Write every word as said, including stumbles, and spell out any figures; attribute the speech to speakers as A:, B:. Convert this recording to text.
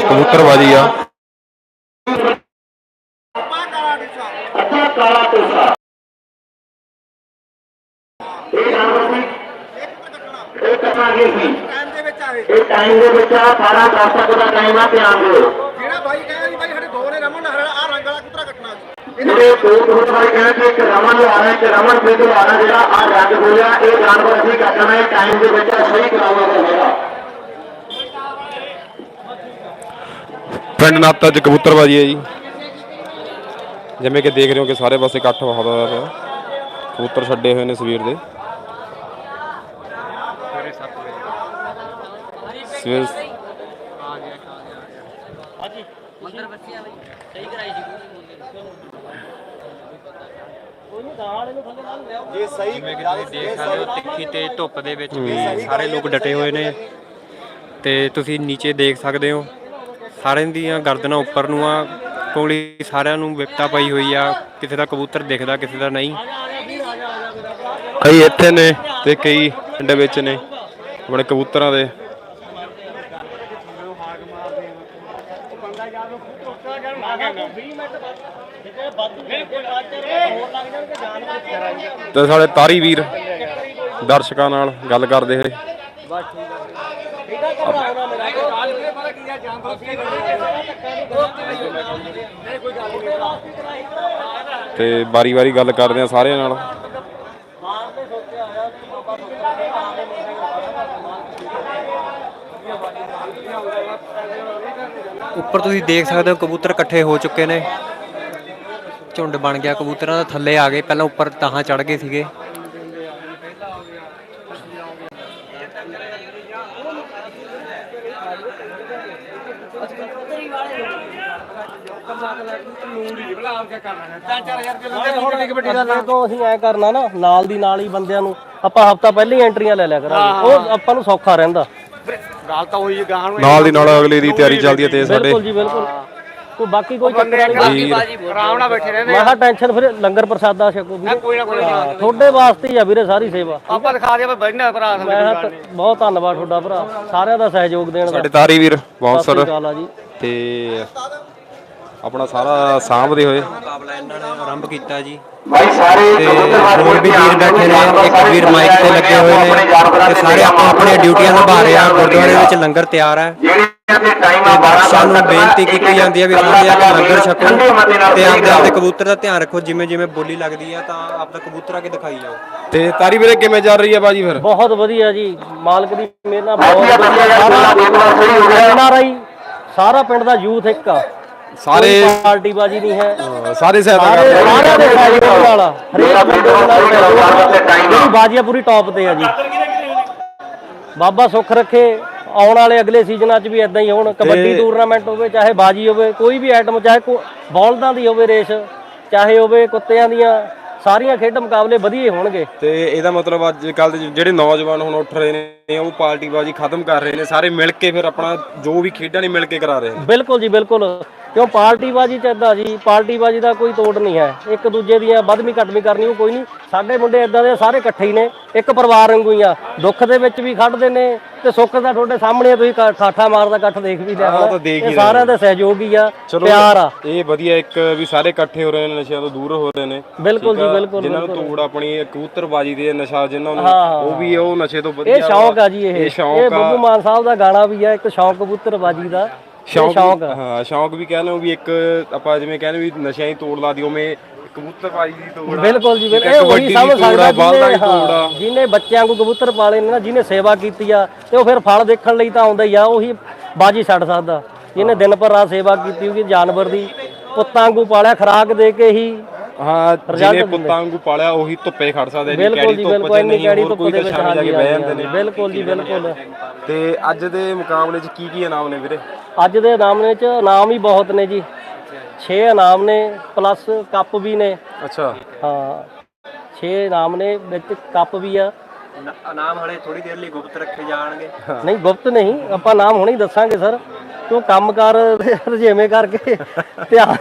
A: कबूतरबाजी आ पिंड नाता च कबूतरबाजी है जी जिमें कि देख रहे हो कि सारे पासे इकट्ठ बहुत होया पिया कबूतर छड्डे हुए ने सवेर दे सवेर
B: ਜੇ ਸਹੀ ਜਿਵੇਂ ਕਿ ਤੁਸੀਂ ਦੇਖ ਸਕਦੇ ਹੋ ਤਿੱਖੀ ਤੇ ਧੁੱਪ ਦੇ ਵਿੱਚ ਵੀ ਸਾਰੇ ਲੋਕ ਡਟੇ ਹੋਏ ਨੇ ਤੇ ਤੁਸੀਂ ਨੀਚੇ ਦੇਖ ਸਕਦੇ ਹੋ ਸਾਰਿਆਂ ਦੀਆਂ ਗਰਦਨਾਂ ਉੱਪਰ ਨੂੰ ਆ ਕੋਲੀ ਸਾਰਿਆਂ ਨੂੰ ਵਿਪਤਾ ਪਈ ਹੋਈ ਆ ਕਿਸੇ ਦਾ ਕਬੂਤਰ ਦਿਖਦਾ ਕਿਸੇ ਦਾ ਨਹੀਂ
A: कई इत्थे ने ते कई पिंड विच ने बड़े कबूतरां दे ते साडे तारी वीर दर्शकां नाल गल करदे होए ते बारी बारी गल करदे आ सारिਆਂ नाल
B: ਉੱਪਰ ਤੁਸੀਂ ਦੇਖ ਸਕਦੇ ਹੋ ਕਬੂਤਰ ਇਕੱਠੇ ਹੋ ਚੁੱਕੇ ਨੇ ਝੁੰਡ ਬਣ ਗਿਆ ਕਬੂਤਰਾਂ ਦਾ ਥੱਲੇ ਆ ਗਏ ਪਹਿਲਾਂ ਉੱਪਰ ਤਾਹਾਂ ਚੜ ਗਏ ਸੀਗੇ
C: ਅਸੀਂ ਐ ਕਰਨਾ ਨਾ ਨਾਲ ਦੀ ਨਾਲ ਹੀ ਬੰਦਿਆਂ ਨੂੰ ਆਪਾਂ ਹਫਤਾ ਪਹਿਲਾਂ ਹੀ ਐਂਟਰੀਆਂ ਲੈ ਲਿਆ ਕਰਾਂਗੇ ਉਹ ਆਪਾਂ ਨੂੰ ਸੌਖਾ ਰਹਿੰਦਾ
D: ਗੱਲ ਤਾਂ ਹੋਈ ਗਾਂ ਨੂੰ
A: ਨਾਲ ਦੀ ਨਾਲ ਅਗਲੇ ਦੀ ਤਿਆਰੀ ਚੱਲਦੀ ਹੈ ਤੇ ਸਾਡੇ
C: ਬਿਲਕੁਲ ਜੀ ਬਿਲਕੁਲ ਕੋਈ ਬਾਕੀ ਕੋਈ ਚੱਕਰ ਨਹੀਂ
D: ਆਰਾਮ ਨਾਲ ਬੈਠੇ ਰਹਿੰਦੇ
C: ਮੈਂ ਕਿਹਾ ਟੈਨਸ਼ਨ ਫਿਰ ਲੰਗਰ ਪ੍ਰਸਾਦਾ ਛਕੋ ਵੀਰੇ
D: ਕੋਈ ਨਾ ਕੋਈ ਨਾ
C: ਤੁਹਾਡੇ ਵਾਸਤੇ ਹੀ ਆ ਵੀਰੇ ਸਾਰੀ ਸੇਵਾ
D: ਆਪਾਂ ਦਿਖਾ ਦੇ ਬੈਠਣਾ ਭਰਾ
C: ਮੈਂ ਕਿਹਾ ਬਹੁਤ ਧੰਨਵਾਦ ਤੁਹਾਡਾ ਭਰਾ ਸਾਰਿਆਂ ਦਾ ਸਹਿਯੋਗ ਦੇਣ ਦਾ
A: ਸਾਡੇ ਤਾਰੀ ਵੀਰ ਬਹੁਤ
C: ਸਤਿ
A: ਸਰ
C: ਸ਼੍ਰੀ ਅਕਾਲ ਆ ਜੀ
A: ਤੇ ਆਪਣਾ ਸਾਰਾ ਸਾਂਭਦੇ ਹੋਏ
B: ਮੁਕਾਬਲਾ ਇਹਨਾਂ ਨੇ ਆਰੰਭ ਕੀਤਾ ਜੀ ਤੇ ਹੋਰ ਵੀ ਵੀਰ ਬੈਠੇ ਨੇ ਇੱਕ ਵੀਰ ਮਾਈਕ ਤੇ ਲੱਗੇ ਹੋਏ ਨੇ ਤੇ ਸਾਰੇ ਆਪੋ ਆਪਣੀਆਂ ਡਿਊਟੀਆਂ ਨਿਭਾ ਰਹੇ ਆ ਗੁਰਦੁਆਰੇ ਵਿੱਚ ਲੰਗਰ ਤਿਆਰ ਹੈ ਬਾਦਸ਼ਾਹ ਨੂੰ ਬੇਨਤੀ ਕੀਤੀ ਜਾਂਦੀ ਹੈ ਵੀ ਸਾਰੇ ਆ ਕੇ ਲੰਗਰ ਛਕੋ ਤੇ ਆਪਦੇ ਆਪਦੇ ਕਬੂਤਰ ਦਾ ਧਿਆਨ ਰੱਖੋ ਜਿਵੇਂ ਜਿਵੇਂ ਬੋਲੀ ਲੱਗਦੀ ਆ ਤਾਂ ਆਪਦਾ ਕਬੂਤਰ ਆ ਕੇ ਦਿਖਾਈ ਜਾਓ
A: ਤੇ ਤਾਰੀ ਵੀਰੇ ਕਿਵੇਂ ਚੱਲ ਰਹੀ ਹੈ ਬਾਜੀ ਫਿਰ
C: ਬਹੁਤ ਵਧੀਆ ਜੀ ਮਾਲਕ ਦੀ ਮਿਹਰ ਨਾਲ ਬਹੁਤ ਵਧੀਆ ਸਾਰਾ ਐਨ ਆਰ ਆਈ ਸਾਰਾ ਪਿੰਡ ਦਾ ਯੂਥ ਇੱਕ ਆ
A: ਸਾਰੇ
C: ਪਾਰਟੀ ਬਾਜੀ ਨਹੀਂ ਹੈ
A: ਸਾਰੇ ਸਹਾਇਤਾ
C: ਸਾਰੇ
A: ਕਰਦੇ
C: ਸਾਰਿਆਂ ਦੇ ਸਹਿਯੋਗ ਨਾਲ ਹਰੇਕ ਬੰਦੇ ਦੇ ਨਾਲ ਸਹਿਯੋਗ ਜਿਹੜੀ ਬਾਜੀ ਆ ਪੂਰੀ ਟੌਪ ਤੇ ਆ ਜੀ ਬਾਬਾ ਸੁੱਖ ਰੱਖੇ ਆਉਣ ਵਾਲੇ ਅਗਲੇ ਸੀਜ਼ਨਾਂ 'ਚ ਵੀ ਇਦਾਂ ਹੀ ਹੋਣ ਕਬੱਡੀ ਟੂਰਨਾਮੈਂਟ ਹੋਵੇ ਚਾਹੇ ਬਾਜੀ ਹੋਵੇ ਕੋਈ ਵੀ ਆਈਟਮ ਚਾਹੇ ਬੌਲਦਾਂ ਦੀ ਹੋਵੇ ਰੇਸ ਚਾਹੇ ਹੋਵੇ ਕੁੱਤਿਆਂ ਦੀਆਂ ਸਾਰੀਆਂ ਖੇਡ ਮੁਕਾਬਲੇ ਵਧੀਆ ਹੋਣਗੇ
A: ਤੇ ਇਹਦਾ ਮਤਲਬ ਅੱਜ ਕੱਲ ਦੇ ਜਿਹੜੇ ਨੌਜਵਾਨ ਹੁਣ ਉੱਠ ਰਹੇ ਨੇ ਉਹ ਪਾਰਟੀਬਾਜ਼ੀ ਖਤਮ ਕਰ ਰਹੇ ਨੇ ਸਾਰੇ ਮਿਲ ਕੇ ਫਿਰ ਆਪਣਾ ਜੋ ਵੀ ਖੇਡਾਂ ਨੇ ਮਿਲ ਕੇ ਕਰਾ ਰਹੇ ਨੇ
C: ਬਿਲਕੁਲ ਜੀ ਬਿਲਕੁਲ ਕਿਉਂ ਪਾਰਟੀਬਾਜ਼ੀ ਚ ਇਦਾਂ ਜੀ ਪਾਰਟੀਬਾਜ਼ੀ ਦਾ ਕੋਈ ਤੋੜ ਨਹੀਂ ਹੈ ਇੱਕ ਦੂਜੇ ਦੀਆਂ ਵੱਧਵੀਂ ਘਟਵੀਂ ਕਰਨੀ ਉਹ ਕੋਈ ਨਹੀਂ ਸਾਡੇ ਮੁੰਡੇ ਇਦਾਂ ਦੇ ਸਾਰੇ ਇਕੱਠੇ ਹੀ ਨੇ ਇੱਕ ਪਰਿਵਾਰ ਵਾਂਗੂ ਹੀ ਆ ਦੁੱਖ ਦੇ ਵਿੱਚ ਵੀ ਖੜਦੇ ਨੇ ਤੇ ਸੁੱਖ ਦਾ ਤੁਹਾਡੇ ਸਾਹਮਣੇ ਤੁਸੀਂ ਠਾਠਾ ਮਾਰਦਾ ਇਕੱਠ ਦੇਖ ਵੀ ਲਿਆ ਇਹ ਸਾਰਿਆਂ ਦਾ ਸਹਿਯੋਗ ਹੀ ਆ ਪਿਆਰ ਆ
A: ਇਹ ਵਧੀਆ ਇੱਕ ਵੀ ਸਾਰੇ ਇਕੱਠੇ ਹੋ ਰਹੇ ਨੇ ਨਸ਼ਿਆਂ ਤੋਂ ਦੂਰ ਹੋ ਰਹੇ ਨੇ
C: ਬਿਲਕੁਲ ਜੀ ਬਿਲਕੁਲ
A: ਜਿਨ੍ਹਾਂ ਨੂੰ ਤੋੜ ਆਪਣੀ ਕਬੂਤਰਬਾਜ਼ੀ ਦੇ ਨਸ਼ਾ ਜਿਨ੍ਹਾਂ ਨੂੰ ਉਹ ਵੀ ਉਹ ਨਸ਼ੇ ਤੋਂ ਵਧੀਆ
C: ਇਹ ਸ਼ੌਕ ਆ ਜੀ ਇਹ ਇਹ ਬੱਬੂ ਮਾਨ ਸਾਹਿਬ ਦਾ ਗਾਣਾ ਵੀ ਆ ਇੱਕ ਸ਼ੌਕ ਕਬੂਤਰਬਾਜ਼ੀ ਦਾ
A: ਸ਼ੌਕ ਹਾਂ ਸ਼ੌਕ ਵੀ ਕਹਿੰਦੇ ਵੀ ਇੱਕ ਆਪਾਂ ਜਿਵੇਂ ਕਹਿੰਦੇ ਵੀ ਨਸ਼ਿਆਂ ਦੀ ਤੋੜ ਲਾ ਦੀ ਉਵੇਂ ਕਬੂਤਰਬਾਜ਼ੀ ਦੀ ਤੋੜ
C: ਬਿਲਕੁਲ ਜੀ ਬਿਲਕੁਲ ਉਹੀ ਸਮਝ ਸਕਦਾ ਜਿਹਨੇ ਬੱਚਿਆਂ ਨੂੰ ਕਬੂਤਰ ਪਾਲੇ ਨੇ ਨਾ ਜਿਹਨੇ ਸੇਵਾ ਕੀਤੀ ਆ ਤੇ ਉਹ ਫਿਰ ਫਲ ਦੇਖਣ ਲਈ ਤਾਂ ਆਉਂਦਾ ਹੀ ਆ ਉਹੀ ਬਾਜੀ ਛੱਡ ਸਕਦਾ ਜਿਹਨੇ ਦਿਨ ਭਰ ਰਾਤ ਸੇਵਾ ਕੀਤੀ ਹੋਊਗੀ ਜਾਨਵਰ ਦੀ ਪੁੱਤਾਂ ਵਾਂਗੂ ਪਾਲਿਆ ਖੁਰਾਕ ਦੇ ਕੇ ਹੀ
A: ਹਾਂ ਜਿਹਨੇ ਪੁੱਤਾਂ ਵਾਂਗੂ ਪਾਲਿਆ ਉਹੀ ਧੁੱਪੇ ਖੜ ਸਕਦੇ ਨੇ
C: ਕੈੜੀ ਧੁੱਪ ਚ ਨਹੀਂ ਹੋਰ ਕੋਈ ਤਾਂ ਸ਼ਾਮ ਜਾ ਕੇ ਬਹਿ ਜਾਂਦੇ ਨੇ ਬਿਲਕੁਲ ਜੀ ਬਿਲਕੁਲ
A: ਤੇ ਅੱਜ ਦੇ ਮੁਕਾਬਲੇ 'ਚ ਕੀ ਕੀ ਇਨਾਮ ਨੇ ਵੀਰੇ
C: ਅੱਜ ਦੇ ਇਨਾਮ 'ਚ ਇਨਾਮ ਹੀ ਬਹੁਤ ਨੇ ਜੀ ਛੇ ਇਨਾਮ ਨੇ ਪਲੱਸ ਕੱਪ ਵੀ ਨੇ
A: ਅੱਛਾ
C: ਹਾਂ ਛੇ ਇਨਾਮ ਨੇ ਵਿੱਚ ਕੱਪ ਵੀ ਆ
B: ਇਨਾਮ ਹਲੇ ਥੋੜੀ ਦੇਰ ਲਈ ਗੁਪਤ ਰੱਖੇ ਜਾਣਗੇ
C: ਨਹੀਂ ਗੁਪਤ ਨਹੀਂ ਆਪਾਂ ਨਾਮ ਹੁਣੇ ਹੀ ਦੱਸਾਂਗੇ ਸਰ ਕਿਉਂ ਕੰਮਕਾਰ ਰਜੇਵੇਂ ਕਰਕੇ ਧਿਆਨ